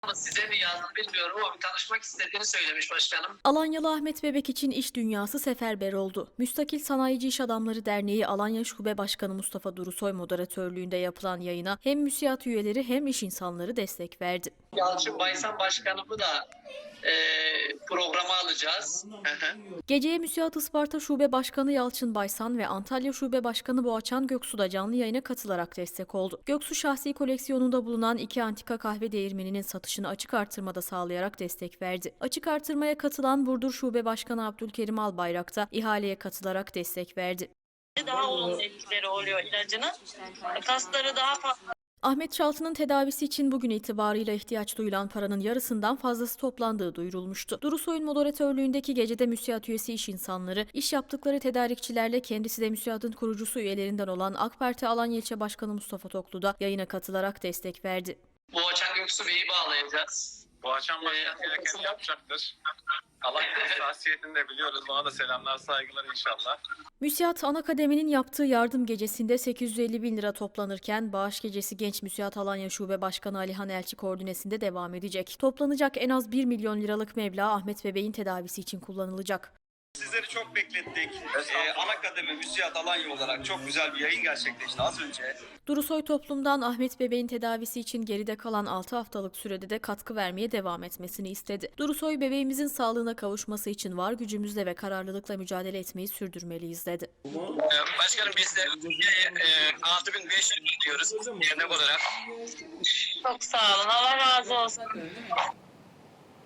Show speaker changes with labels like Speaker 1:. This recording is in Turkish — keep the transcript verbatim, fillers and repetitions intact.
Speaker 1: Ama size mi yazdı bilmiyorum ama bir tanışmak istediğini söylemiş başkanım.
Speaker 2: Alanyalı Ahmet Bebek için iş dünyası seferber oldu. Müstakil Sanayici İş Adamları Derneği Alanya Şube Başkanı Mustafa Durusoy moderatörlüğünde yapılan yayına hem müsiat üyeleri hem iş insanları destek verdi.
Speaker 1: Yalçın Baysan başkanımı da e, programa alacağız. Hı hı.
Speaker 2: Geceye Müsiat Isparta Şube Başkanı Yalçın Baysan ve Antalya Şube Başkanı Boğaçan Göksu da canlı yayına katılarak destek oldu. Göksu şahsi koleksiyonunda bulunan iki antika kahve değirmeninin satışını açık artırmada sağlayarak destek verdi. Açık artırmaya katılan Burdur Şube Başkanı Abdülkerim Albayrak da ihaleye katılarak destek verdi.
Speaker 3: Daha olumlu etkileri oluyor ilacının. Kasları daha fazla.
Speaker 2: Ahmet Çaltı'nın tedavisi için bugün itibarıyla ihtiyaç duyulan paranın yarısından fazlası toplandığı duyurulmuştu. Durusoy'un moderatörlüğündeki gecede müsiat üyesi iş insanları, iş yaptıkları tedarikçilerle kendisi de müsiatın kurucusu üyelerinden olan AK Parti Alanya İlçe Başkanı Mustafa Toklu da yayına katılarak destek verdi.
Speaker 1: Boğaçan Göksu Bey'i bağlayacağız.
Speaker 4: Boğaçan Başkan gerekeni yapacaktır. Allah hassasiyetini de biliyoruz. Ona da selamlar, saygılar inşallah.
Speaker 2: Müsiat Ana Kademi'nin yaptığı yardım gecesinde sekiz yüz elli bin lira toplanırken bağış gecesi Genç Müsiat Alanya Şube Başkanı Alihan Elçi koordinesinde devam edecek. Toplanacak en az bir milyon liralık meblağ Ahmet Bebek'in tedavisi için kullanılacak.
Speaker 5: Sizleri çok beklettik. Ee, Ana Kademi Müsiat Alanya olarak çok güzel bir yayın gerçekleşti az önce.
Speaker 2: Durusoy toplumdan Ahmet Bebek'in tedavisi için geride kalan altı haftalık sürede de katkı vermeye devam etmesini istedi. Durusoy, bebeğimizin sağlığına kavuşması için var gücümüzle ve kararlılıkla mücadele etmeyi sürdürmeliyiz dedi.
Speaker 1: Başkanım biz de e, altı bin beş yüz diyoruz dernek olarak.
Speaker 3: Çok sağ olun. Allah razı olsun.